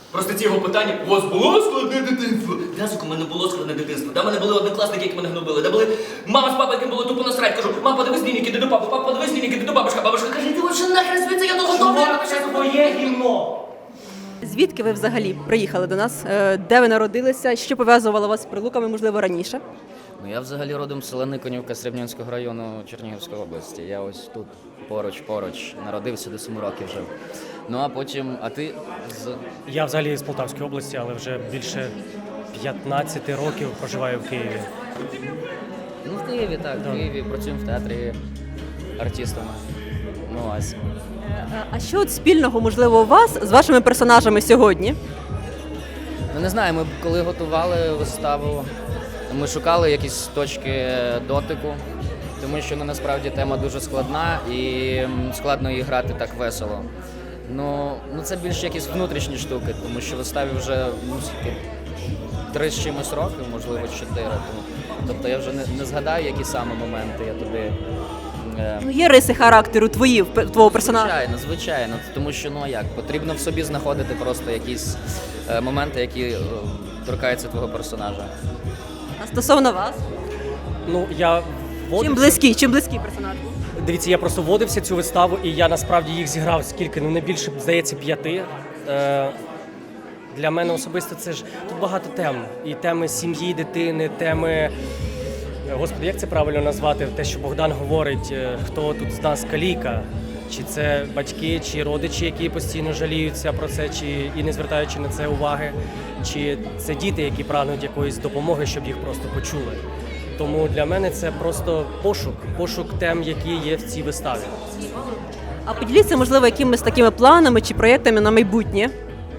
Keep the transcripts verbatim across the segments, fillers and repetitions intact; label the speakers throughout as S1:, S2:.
S1: Просто ці його питання, у вас було складне дитинство? Да, сука, у мене було складне дитинство. Да, в мене були однокласники, які мене гнобили. Да, були мама з папою, яким було тупо насрать. Кажу, мама, подивись лінійки, іди до папи, папа, подивись лінійки, іди до бабушка. Бабушка каже, ти вообще нахрен звідси, я того добре.
S2: Це твоє гімно!
S3: Звідки ви взагалі приїхали до нас? Е, Де ви народилися? Що пов'язувало вас з Прилуками, можливо, раніше?
S4: Ну, я взагалі родом з села Никонівка Срібнянського району Чернігівської області. Я ось тут поруч-поруч народився, до семи років жив. Ну а потім, а ти з...
S2: Я взагалі з Полтавської області, але вже більше п'ятнадцять років проживаю в Києві.
S4: Ну, в Києві, так, в Києві, працюємо в театрі артистами. Ну, ось.
S3: Е, А що от спільного, можливо, у вас з вашими персонажами сьогодні?
S4: Ну, не знаю, ми коли готували виставу, ми шукали якісь точки дотику, тому що ну, насправді тема дуже складна і м, складно її грати так весело. Ну, ну це більше якісь внутрішні штуки, тому що виставі вже ну, скільки, три з чимось років, можливо, чотири. Тому, тобто я вже не, не згадаю, які саме моменти я тобі. е,
S3: Ну, є риси характеру твої, в пе- твого персонажа?
S4: Звичайно, звичайно. Тому що ну а як, потрібно в собі знаходити просто якісь е, моменти, які е, торкаються твого персонажа.
S3: А стосовно вас?
S2: Ну, я
S3: Чим
S2: вводився...
S3: близький, чим близький персонаж?
S2: Дивіться, я просто вводився цю виставу, і я насправді їх зіграв скільки, ну не більше, здається, п'яти. Е, для мене особисто це ж тут багато тем. І теми сім'ї, дитини, теми. Господи, як це правильно назвати? Те, що Богдан говорить, е, хто тут з нас каліка? Чи це батьки, чи родичі, які постійно жаліються про це, чи і не звертаючи на це уваги, чи це діти, які прагнуть якоїсь допомоги, щоб їх просто почули. Тому для мене це просто пошук, пошук тем, які є в цій виставі.
S3: А поділіться, можливо, якимись такими планами чи проєктами на майбутнє?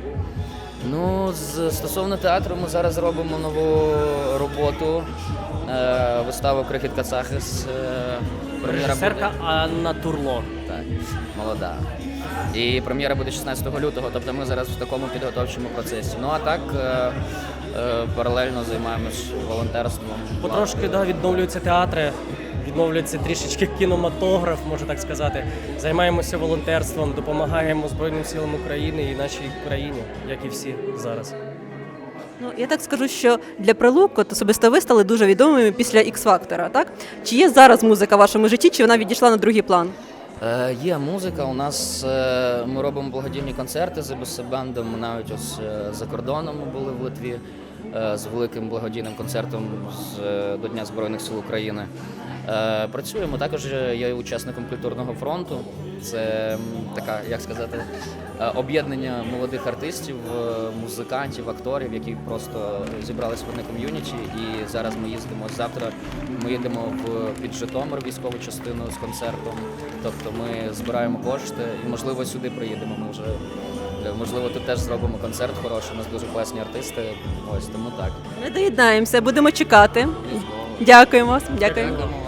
S4: Ну, з, стосовно театру, ми зараз робимо нову роботу. Е, виставу Крихіт Кацахис. Е, прем'єра
S2: Режисерка
S4: буде-
S2: Анна Турло.
S4: Так, молода. І прем'єра буде шістнадцятого лютого, тобто ми зараз в такому підготовчому процесі. Ну а так е, е, паралельно займаємось волонтерством.
S2: Потрошки да, відновлюються театри, відновлюється трішечки кінематограф, можна так сказати. Займаємося волонтерством, допомагаємо Збройним силам України і нашій країні, як і всі зараз.
S3: Ну, я так скажу, що для Прилук от особисто ви стали дуже відомими після Ікс-фактора, так? Чи є зараз музика в вашому житті, чи вона відійшла на другий план?
S4: Е, є музика, у нас е, ми робимо благодійні концерти з бесебендом, ми навіть ось е, за кордоном ми були в Литві е, з великим благодійним концертом з, е, до Дня Збройних сил України. Е, працюємо, також я є учасником культурного фронту. Це м, така, як сказати, е, об'єднання молодих артистів, е, музикантів, акторів, які просто зібрались в одне ком'юніті. І зараз ми їздимо ось завтра. Ми їдемо в під Житомир військову частину з концертом. Тобто ми збираємо кошти і, можливо, сюди приїдемо. Ми вже е, можливо тут теж зробимо концерт хороший. У нас дуже класні артисти. Ось тому так.
S3: Ми доєднаємося, будемо чекати. Дякуємо. Дякуємо.
S4: Дякуємо.